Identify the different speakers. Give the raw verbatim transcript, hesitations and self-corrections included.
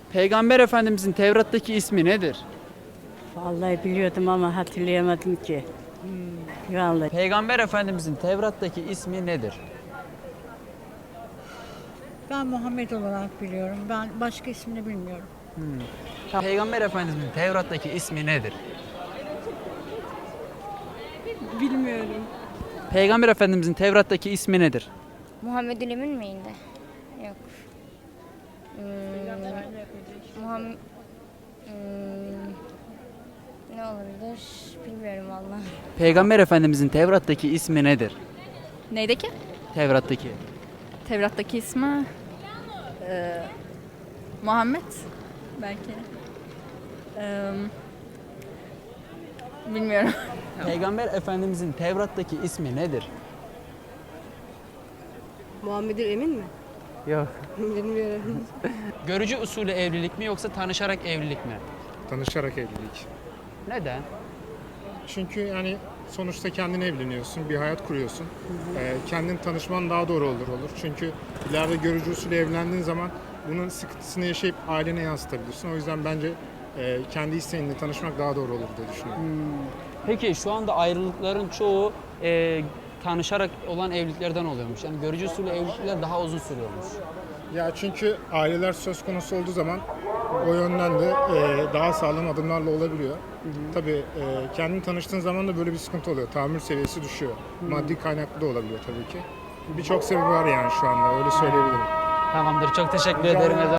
Speaker 1: Peygamber Efendimizin Tevrat'taki ismi nedir?
Speaker 2: Vallahi biliyordum ama hatırlayamadım ki. Vallahi.
Speaker 1: Peygamber Efendimizin Tevrat'taki ismi nedir?
Speaker 3: Ben Muhammed olarak biliyorum. Ben başka ismini bilmiyorum.
Speaker 1: Peygamber Efendimizin Tevrat'taki ismi nedir?
Speaker 4: Bilmiyorum.
Speaker 1: Peygamber Efendimizin Tevrat'taki ismi nedir?
Speaker 5: Muhammed'in Emin miydi? Yok. Hmm, Muhammed... Hmm, ne olabilir? Bilmiyorum vallahi.
Speaker 1: Peygamber Efendimizin Tevrat'taki ismi nedir?
Speaker 4: Neydeki?
Speaker 1: Tevrat'taki.
Speaker 4: Tevrat'taki ismi eee, Muhammed belki. Eee, bilmiyorum.
Speaker 1: Peygamber Efendimizin Tevrat'taki ismi nedir?
Speaker 6: Muhammed'in Emin mi?
Speaker 1: Yok.
Speaker 6: Bilmiyorum.
Speaker 1: Görücü usulü evlilik mi yoksa tanışarak evlilik mi?
Speaker 7: Tanışarak evlilik.
Speaker 1: Neden?
Speaker 7: Çünkü yani sonuçta kendin evleniyorsun, bir hayat kuruyorsun. Ee, kendin tanışman daha doğru olur olur. Çünkü ileride görücü usulü evlendiğin zaman bunun sıkıntısını yaşayıp ailene yansıtabilirsin. O yüzden bence e, kendi isteğinle tanışmak daha doğru olur diye düşünüyorum.
Speaker 1: Peki şu anda ayrılıkların çoğu e, tanışarak olan evliliklerden oluyormuş. Yani görücü usulü evlilikler daha uzun sürüyormuş.
Speaker 7: Ya çünkü aileler söz konusu olduğu zaman o yönden de e, daha sağlam adımlarla olabiliyor. Tabii e, kendin tanıştığın zaman da böyle bir sıkıntı oluyor. Tahammül seviyesi düşüyor. Maddi kaynaklı da olabiliyor tabii ki. Birçok sebebi var yani şu anda öyle söyleyebilirim.
Speaker 1: Tamamdır. Çok teşekkür
Speaker 7: Rica
Speaker 1: ederim.
Speaker 7: ederim.